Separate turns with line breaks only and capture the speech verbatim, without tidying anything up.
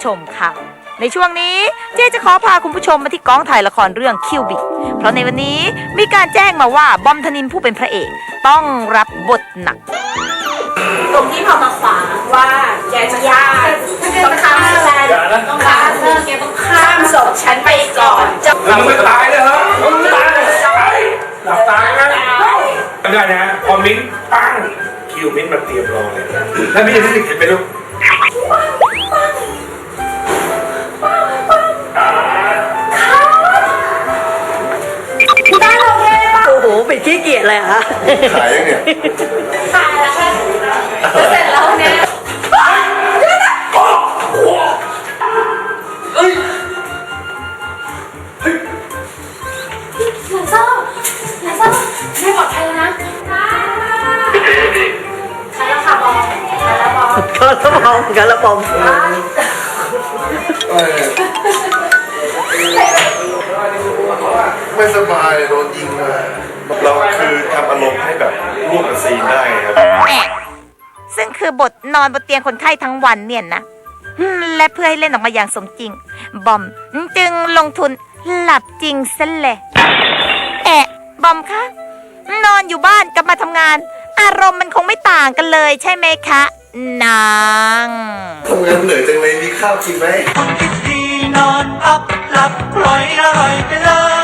มค่ะในช่วงนี้เจ๊จะขอพาคุณผู้ชมมาที่กองถ่ายละครเรื่องคิวบิกเพราะในวันนี้มีการแจ้งมาว่าบอมธนินทร์ผู้เป็นพระเอกต้องรับบทหนัก
ตรงที่พอมาขวางว่าแกจะฆ่าต้องข้ามแลนต้องข้ามเรื่องแกต้องข้ามศพฉันไปก่อนจะ
มึงไม่ตายเลยเหรอมึงตายหลับตานะได้นะพอมิ้นปั้งคิวมิ้นมาเตรียมรอเลยแล้วมิ้นจะได้เห็นไหมลูก
โอ้โหเป็นขี้เกียจเลยฮะ
ขายยังเนี่ย
ขายแล้วค่ะเสร็จแล้วเนี่ยอย่าเศร้าอย่าเศร้าไม่ปลอดภัยนะใครแล้วค่ะบอมใครแล้วบอมก็แล้วบอมก็แล้วบอม
ไม่สบายโดนยิงมาเราคือทำอารมณ์ให้แบบร่วมกับซีนได้ครับ
ซึ่งคือบทนอนบนเตียงคนไข้ทั้งวันเนี่ยนะและเพื่อให้เล่นออกมาอย่างสมจริงบอมจึงลงทุนหลับจริงซะเลยแอะบอมคะนอนอยู่บ้านกับมาทำงานอารมณ์มันคงไม่ต่างกันเลยใช่ไหมคะนาง
ทำงานเหนื่อยจังเลยมีข้าวกินไหม
คนคิดดีนอนพับหลับปล่อยอร่อยไปเลย